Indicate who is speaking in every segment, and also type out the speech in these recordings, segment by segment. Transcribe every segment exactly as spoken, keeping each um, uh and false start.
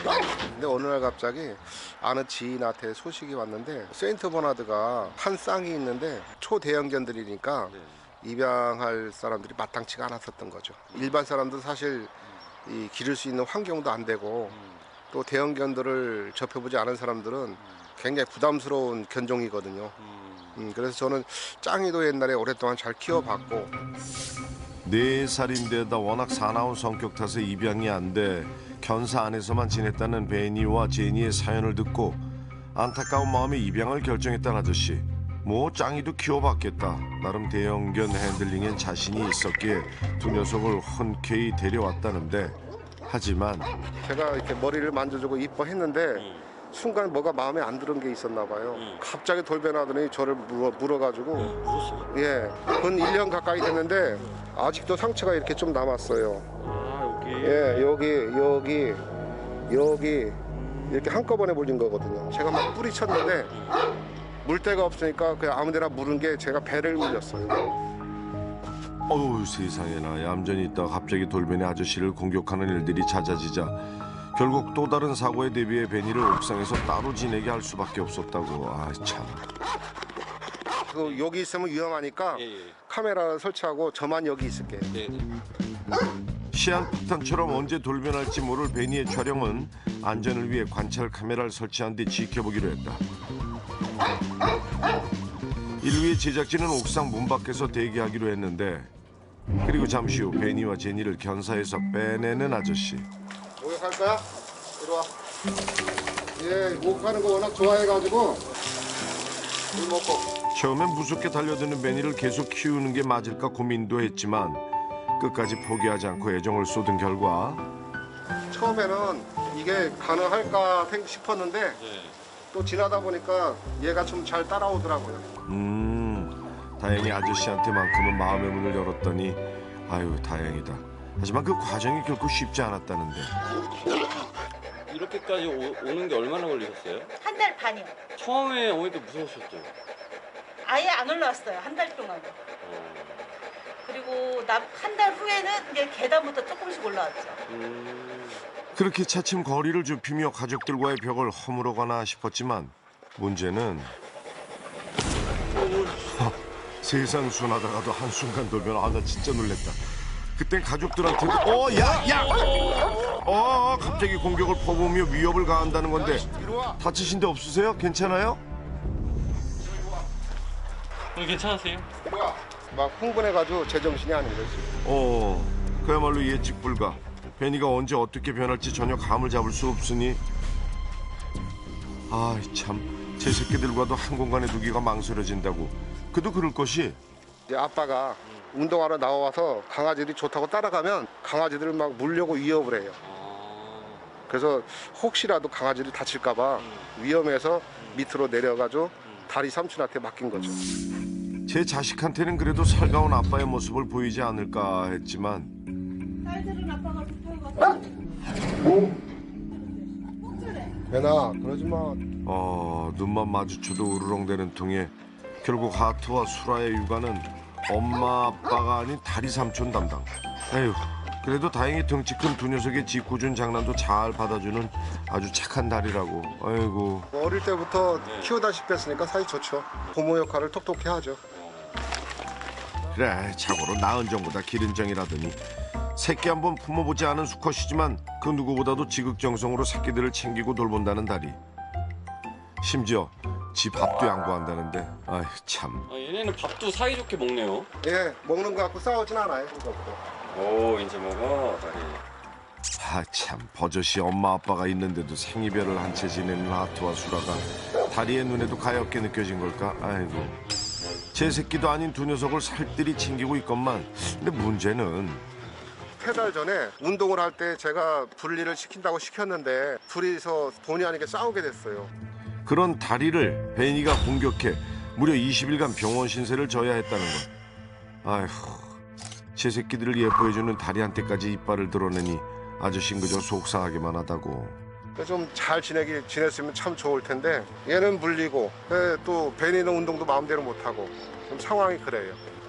Speaker 1: 근데 어느 날 갑자기 아는 지인한테 소식이 왔는데 세인트 버나드가 한 쌍이 있는데 초대형견들이니까 입양할 사람들이 마땅치가 않았었던 거죠. 일반 사람도 사실 이 기를 수 있는 환경도 안 되고 또 대형견들을 접해보지 않은 사람들은 굉장히 부담스러운 견종이거든요. 음, 그래서 저는 짱이도 옛날에 오랫동안 잘 키워봤고
Speaker 2: 네 살인데다 워낙 사나운 성격 탓에 입양이 안 돼 견사 안에서만 지냈다는 베니와 제니의 사연을 듣고 안타까운 마음에 입양을 결정했다는 아저씨. 뭐 짱이도 키워봤겠다. 나름 대형견 핸들링엔 자신이 있었기에 두 녀석을 흔쾌히 데려왔다는데 하지만
Speaker 1: 제가 이렇게 머리를 만져주고 이뻐했는데 순간 뭐가 마음에 안 드는 게 있었나 봐요. 갑자기 돌변하더니 저를 물어, 물어가지고 예, 근 일 년 가까이 됐는데 아직도 상처가 이렇게 좀 남았어요.
Speaker 3: 아, 여기.
Speaker 1: 예, 여기 여기 여기 이렇게 한꺼번에 물린 거거든요. 제가 막 뿌리쳤는데 물데가 없으니까 그냥 아무데나 물은 게 제가 배를 물렸어요.
Speaker 2: 어우 세상에나 얌전히 있다가 갑자기 돌변의 아저씨를 공격하는 일들이 잦아지자 결국 또 다른 사고에 대비해 베니를 옥상에서 따로 지내게 할 수밖에 없었다고. 아 참.
Speaker 1: 그 여기 있으면 위험하니까
Speaker 3: 예, 예.
Speaker 1: 카메라 설치하고 저만 여기 있을게요.
Speaker 3: 네.
Speaker 2: 시한폭탄처럼 언제 돌변할지 모를 베니의 촬영은 안전을 위해 관찰 카메라를 설치한 뒤 지켜보기로 했다. 이를 위해 제작진은 옥상 문 밖에서 대기하기로 했는데 그리고 잠시 후 베니와 제니를 견사에서 빼내는 아저씨.
Speaker 1: 목욕할 거야? 이리 와. 예, 목욕하는 거 워낙 좋아해가지고 물 먹고.
Speaker 2: 처음엔 무섭게 달려드는 베니를 계속 키우는 게 맞을까 고민도 했지만 끝까지 포기하지 않고 애정을 쏟은 결과
Speaker 1: 처음에는 이게 가능할까 생- 싶었는데
Speaker 3: 네.
Speaker 1: 또 지나다 보니까 얘가 좀 잘 따라오더라고요.
Speaker 2: 음 다행히 아저씨한테만큼은 마음의 문을 열었더니 아유 다행이다. 하지만 그 과정이 결코 쉽지 않았다는데
Speaker 3: 이렇게까지 오, 오는 게 얼마나 걸리셨어요?
Speaker 4: 한 달 반이요.
Speaker 3: 처음에 오니까 무서우셨죠?
Speaker 4: 아예 안 올라왔어요. 한 달 동안.
Speaker 3: 어.
Speaker 4: 그리고 한 달 후에는 이제 계단부터 조금씩 올라왔죠.
Speaker 3: 음.
Speaker 2: 그렇게 차츰 거리를 좁히며 가족들과의 벽을 허물어가나 싶었지만 문제는 하, 세상 순하다가도 한순간 돌변. 아 나 진짜 놀랬다. 그땐 가족들한테도 어 야 야 어 갑자기 공격을 퍼부으며 위협을 가한다는 건데
Speaker 1: 이리 와.
Speaker 2: 다치신 데 없으세요? 괜찮아요?
Speaker 3: 어, 괜찮으세요?
Speaker 1: 이리 와. 막 흥분해가지고 제정신이 아닌 거지.
Speaker 2: 어 그야말로 예측 불가. 베니가 언제 어떻게 변할지 전혀 감을 잡을 수 없으니 아 참 제 새끼들과도 한 공간에 두기가 망설여진다고. 그도 그럴 것이
Speaker 1: 이제 아빠가 운동하러 나와서 강아지들이 좋다고 따라가면 강아지들을 막 물려고 위협을 해요.
Speaker 3: 아.
Speaker 1: 그래서 혹시라도 강아지를 다칠까봐 위험해서 밑으로 내려가지고 다리 삼촌한테 맡긴 거죠.
Speaker 2: 제 자식한테는 그래도 살가운 아빠의 모습을 보이지 않을까 했지만
Speaker 4: 딸들은 아빠가 좋다고 가서
Speaker 1: 배나 그러지 마.
Speaker 2: 어 눈만 마주쳐도 우르렁대는 통에 결국 하트와 수라의 육아는 엄마 아빠가 아닌 다리 삼촌 담당. 에휴 그래도 다행히 덩치 큰 두 녀석의 짓궂은 장난도 잘 받아주는 아주 착한 다리라고. 아이고
Speaker 1: 어릴 때부터 키우다시피 했으니까 사이 좋죠. 부모 역할을 톡톡히 하죠.
Speaker 2: 그래 자고로 나은 정보다 기른 정이라더니 새끼 한번 품어보지 않은 수컷이지만 그 누구보다도 지극정성으로 새끼들을 챙기고 돌본다는 다리. 심지어 지 밥도 양보한다는데 아이 참.
Speaker 3: 아, 얘네는 밥도 사이좋게 먹네요.
Speaker 1: 예, 먹는 거 갖고 싸우진 않아요. 그것도.
Speaker 3: 오, 이제 먹어, 다리.
Speaker 2: 아 참 버젓이 엄마 아빠가 있는데도 생이별을 한 채 지내는 하트와 수라가 다리의 눈에도 가엾게 느껴진 걸까? 아이고 제 새끼도 아닌 두 녀석을 살뜰히 챙기고 있건만 근데 문제는
Speaker 1: 세 달 전에 운동을 할 때 제가 분리를 시킨다고 시켰는데 둘이서 본의 아니게 싸우게 됐어요.
Speaker 2: 그런 다리를 베니가 공격해 무려 이십 일간 병원 신세를 져야 했다는 것. 아휴 제 새끼들을 예뻐해주는 다리한테까지 이빨을 드러내니 아저씨는 그저 속상하기만 하다고.
Speaker 1: 좀 잘 지내기 지냈으면 참 좋을 텐데 얘는 물리고 예, 또 베니는 운동도 마음대로 못 하고 좀 상황이 그래요.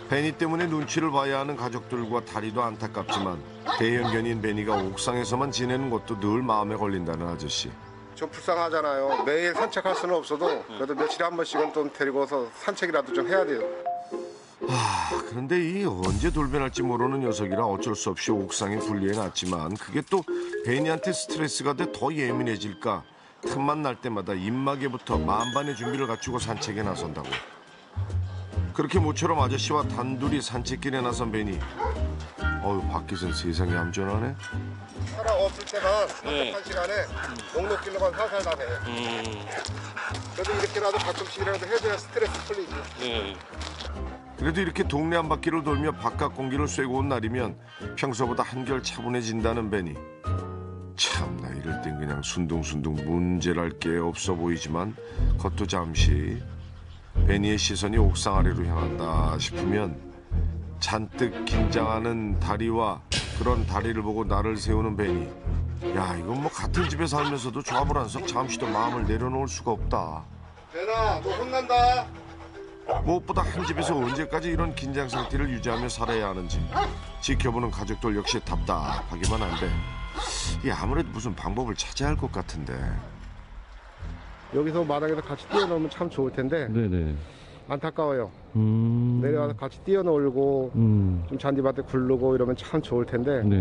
Speaker 2: 베니 때문에 눈치를 봐야 하는 가족들과 다리도 안타깝지만 대형견인 베니가 옥상에서만 지내는 것도 늘 마음에 걸린다는 아저씨.
Speaker 1: 좀 불쌍하잖아요. 매일 산책할 수는 없어도 그래도 며칠에 한 번씩은 좀 데리고서 산책이라도 좀 해야 돼요.
Speaker 2: 아, 그런데 이 언제 돌변할지 모르는 녀석이라 어쩔 수 없이 옥상에 분리해놨지만 그게 또 베니한테 스트레스가 돼 더 예민해질까 틈만 날 때마다 입마개부터 만반의 준비를 갖추고 산책에 나선다고. 그렇게 모처럼 아저씨와 단둘이 산책길에 나선 베니. 어휴, 밖에선 세상이 얌전하네.
Speaker 1: 사람 없을 때만
Speaker 3: 네.
Speaker 1: 산책한 시간에 목록길로만 살살 다녀요.
Speaker 3: 음,
Speaker 1: 그래도 이렇게라도 가끔씩이라도 해줘야 스트레스 풀리지.
Speaker 3: 네.
Speaker 2: 그래도 이렇게 동네 한 바퀴를 돌며 바깥 공기를 쐬고 온 날이면 평소보다 한결 차분해진다는 베니. 참나 이럴 땐 그냥 순둥순둥 문제랄 게 없어 보이지만 그것도 잠시. 베니의 시선이 옥상 아래로 향한다 싶으면 잔뜩 긴장하는 다리와 그런 다리를 보고 나를 세우는 베니. 야, 이건 뭐 같은 집에 살면서도 좌불안석 잠시도 마음을 내려놓을 수가 없다.
Speaker 1: 배나 너 혼난다.
Speaker 2: 무엇보다 한 집에서 언제까지 이런 긴장 상태를 유지하며 살아야 하는지 지켜보는 가족들 역시 답답하기만 한데 이 아무래도 무슨 방법을 찾아야 할 것 같은데.
Speaker 1: 여기서 마당에서 같이 뛰어놀면 참 좋을 텐데
Speaker 5: 네네.
Speaker 1: 안타까워요.
Speaker 5: 음.
Speaker 1: 내려와서 같이 뛰어놀고
Speaker 5: 음.
Speaker 1: 좀 잔디밭에 굴르고 이러면 참 좋을 텐데
Speaker 5: 네.